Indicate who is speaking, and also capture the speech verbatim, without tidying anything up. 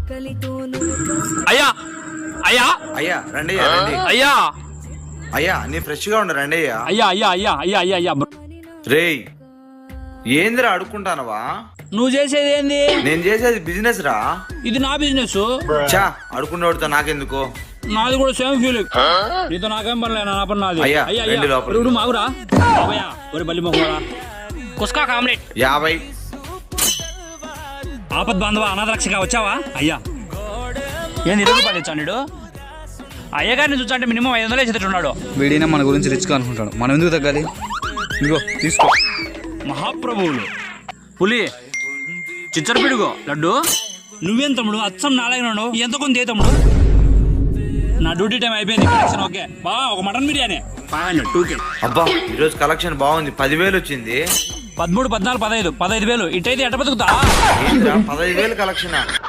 Speaker 1: అయ్యా అయ్యా
Speaker 2: అయ్యా రండి రండి
Speaker 1: అయ్యా
Speaker 2: అయ్యా నీ ఫ్రెష్ గా ఉండు రండి అయ్యా.
Speaker 1: అయ్యా అయ్యా అయ్యా అయ్యా అయ్యా అయ్యా
Speaker 2: రేయ్ ఏందిరా అడుక్కుంటానవా?
Speaker 1: నువ్వు చేసేది ఏంది?
Speaker 2: నేను చేసేది బిజినెస్ రా.
Speaker 1: ఇది నా బిజినెస్.
Speaker 2: చా అడుకున్నోడితో నాకెందుకో.
Speaker 1: నాది కూడా సేమ్ ఫీలింగ్. నీతో నాకేం పనిలే, నా పని నాది.
Speaker 2: అయ్యా,
Speaker 1: అయ్యా
Speaker 2: రండి
Speaker 1: అయ్యా
Speaker 2: లోపలికి.
Speaker 1: ఇప్పుడు మాగురా బాబయ్యా ఒరి బల్లి మొక్కరా కుస్కా ఆమ్లెట్
Speaker 2: యాభై.
Speaker 1: ఆపద్ బాంధవ అనాథరక్షగా వచ్చావా? అయ్యా ఏంది ఇరవై రూపాయలు ఇచ్చాడు? అయ్యగారిని చూసంటే మినిమం ఐదు వందలు వేసేటట్టున్నాడు.
Speaker 3: వీడినా మన గురించి రిచ్గా అనుకుంటాడు, మనం ఎందుకు తగ్గాలి? ఇదిగో తీసుకో.
Speaker 1: మహాప్రభువులు పులి చిచ్చర పిడుగు లడ్డు. నువ్వేం తమ్ముడు అచ్చం నాలుగు ఎంత కొంత తమ్ముడు. నా డ్యూటీ టైం అయిపోయింది. కలెక్షన్ ఓకే బా. ఒక mutton biryani five hundred two K.
Speaker 2: అబ్బా ఈరోజు కలెక్షన్ బాగుంది, పదివేలు వచ్చింది.
Speaker 1: పదమూడు పద్నాలుగు పదహైదు పదహైదు వేలు ఇటైతే ఎట్ట బతుకుతా?
Speaker 2: ఏంట్రా పదహైదు వేలు కలెక్షన్?